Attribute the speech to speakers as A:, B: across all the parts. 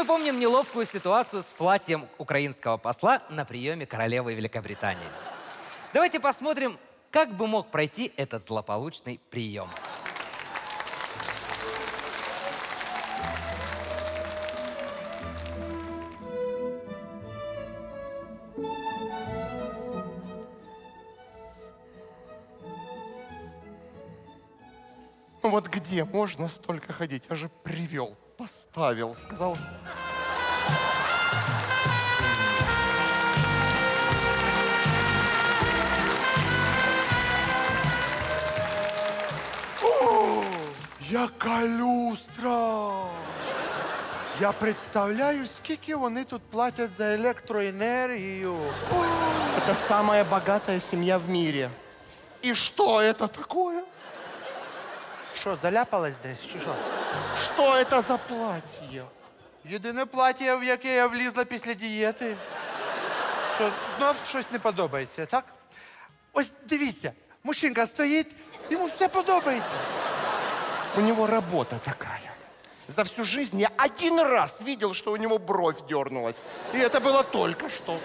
A: мы помним неловкую ситуацию с платьем украинского посла на приеме королевы Великобритании. Давайте посмотрим, как бы мог пройти этот злополучный прием.
B: Ну вот где можно столько ходить? Я же привел, поставил, сказал... О, яка люстра! Я представляю, скільки вони тут платять за электроэнергию. Это самая богатая семья в мире. И что это такое?
C: Що, заляпалась десь, чи що?
B: Что это за платье?
C: Єдине плаття, в яке я влізла після дієти. Що, знов щось не подобається, так? Ось дивіться, мужчинка стоїть, йому все подобається.
B: У него работа такая. За всю жизнь я один раз видел, что у него бровь дернулась. И это было только что.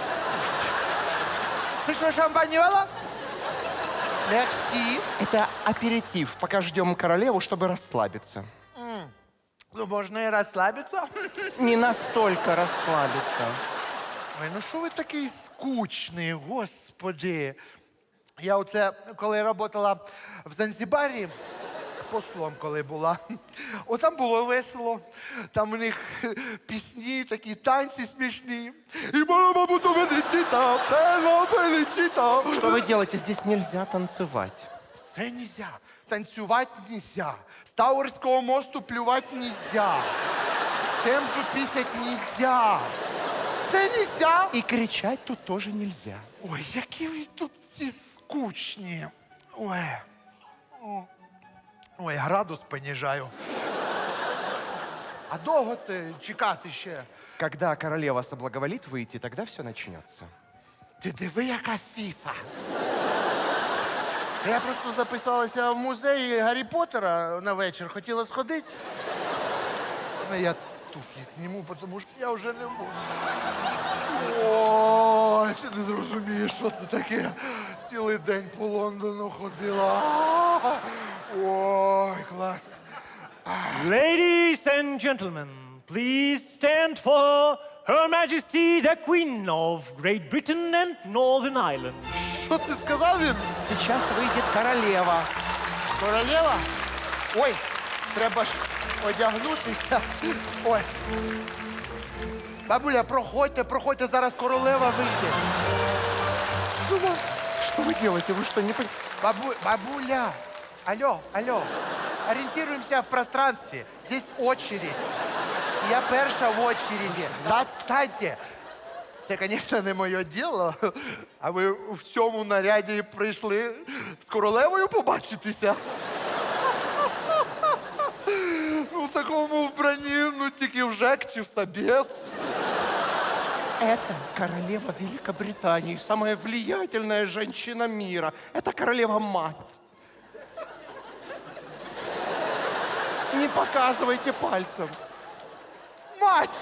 C: Ти що, шампанівала? Мерсі.
B: Это аперитив, пока ждем королеву, чтобы расслабиться.
C: Ну, можна і розслабитися.
B: Не настолько расслабиться.
C: Ой, ну що ви такий скучний, господи. Я оце, коли працювала в Занзібарі, послом коли була, там було весело. Там у них пісні, такі танці смішні. І мама буду величита, пела величита.
B: Что вы делаете? Здесь нельзя танцевать.
C: Все нельзя. Танцювати нельзя. З Тауерського мосту плювати нельзя. Темзу пісять нельзя. Все нельзя.
B: И кричать тут тоже нельзя.
C: Ой, які ви тут всі скучні. Ой. Ой, градус понижаю. А довго це чекати ще?
B: Когда королева соблаговолит выйти, тогда все начнется.
C: Ти диви, яка фіфа. Я просто записалася в музей Гаррі Поттера на вечір, хотіла сходити. Ну, я туфлі зніму, тому що я вже не можу. Ой, ти не зрозумієш, що це таке. Цілий день по Лондону ходила. Ой, клас.
D: Ladies and gentlemen, please stand for Her Majesty the Queen of Great Britain and Northern Ireland.
C: Що це сказав він?
B: Сейчас выйдет королева.
C: Королева? Ой, треба ж одягнутися. Ой. Бабуля, проходьте, зараз королева вийде.
B: Что вы делаете? Вы что, не понимаете?
C: Бабуля, алло, ориентируемся в пространстве. Здесь очередь. Я перша в очереді. Отстаньте. Це, звісно, не моє діло. А ви в цьому наряді прийшли з королевою побачитися? Ну, в такому вбранні, ну, тільки в ЖЕК чи в Собес.
B: Это королева Великобритании, самая влиятельная женщина мира. Это королева-мать. Не показывайте пальцем.
C: Мать!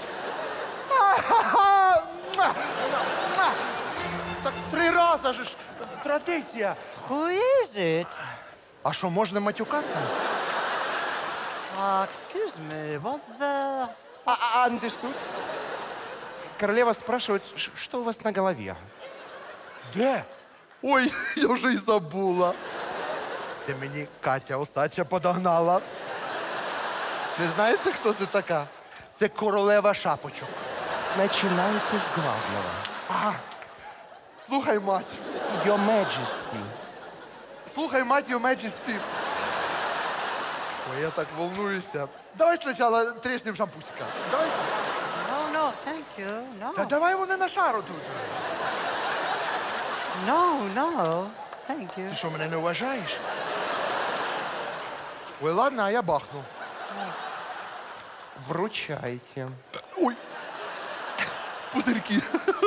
C: Так 3 рази ж традиція.
E: Who is it?
C: А що, можна матюкатися?
E: Excuse me, what the...
B: Understood? Королева спрашивает, что у вас на голове?
C: Де? Ой, я вже й забула. Це мені Катя Осадча подогнала. Не знаєте, хто це така? Це королева шапочок.
B: Начинайте с главного.
C: Слухай, мать.
B: Your Majesty.
C: Слухай, мать, your majesty. Ой, я так волнуюся. Давай спочатку треснем шампусика. Давай.
E: No, thank you. No.
C: Та давай вони на шару тут.
E: No, thank you.
C: Ти що, мене не вважаєш? Ой, ладно, а я бахну.
B: Вручайте.
C: Ой. Пузирки.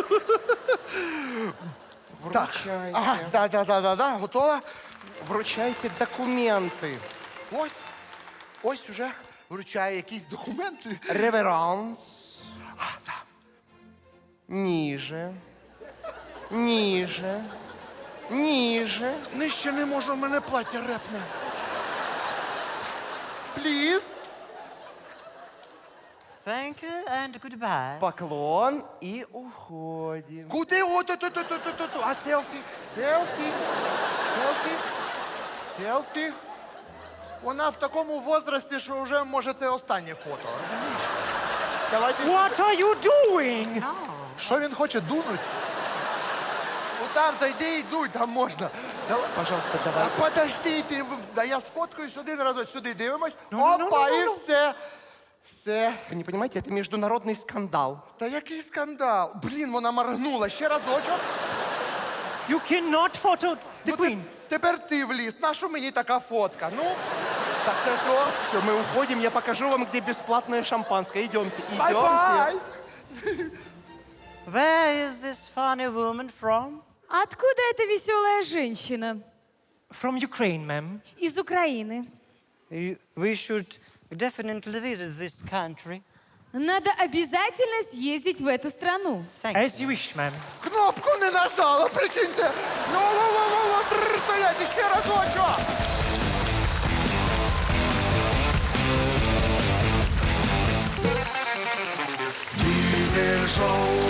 B: Вручайте.
C: Ага, да, готова?
B: Вручайте документы.
C: Ось уже вручаю якісь документи.
B: Реверанс. Ниже. Ниже. Ниже.
C: Нижче не можу, в мене плаття репне. Please.
E: Thank you and goodbye.
B: Поклон и уходим.
C: Куди? О, ту. А селфі? Селфі? Селфі? Селфі? Вона в такому возрасті, що вже, може, це останнє фото. Розумієш? Давайте
D: What are you doing?
E: No.
C: Що він хоче дунуть? Там зайди і дуй, там можна. Давай.
B: Пожалуйста,
C: А
B: давай.
C: подожди, ти, да я сфоткаюсь один разок, сюди дивимось.
D: Ну,
C: Опа, і все. Все.
B: Вы не понимаете, это международный скандал.
C: Та який скандал? Блін, вона моргнула. Ще разочок.
D: You cannot photo the
C: Ну,
D: queen.
C: тепер ти вліз. Нащо мені така фотка? Ну, так все.
B: Все, мы уходим, я покажу вам, где бесплатное шампанское. Идемте, идемте.
C: Бай-бай!
E: Where is this funny woman from?
F: Откуда эта веселая женщина?
D: From Ukraine, ma'am.
F: Из Украины.
E: We should definitely visit this country.
F: Надо обязательно съездить в эту страну.
E: Thank you.
D: As you wish, ma'am.
C: Кнопку не нажала, прикиньте. Во-во-во-во, стоять, ще разочок.
G: Diesel Show.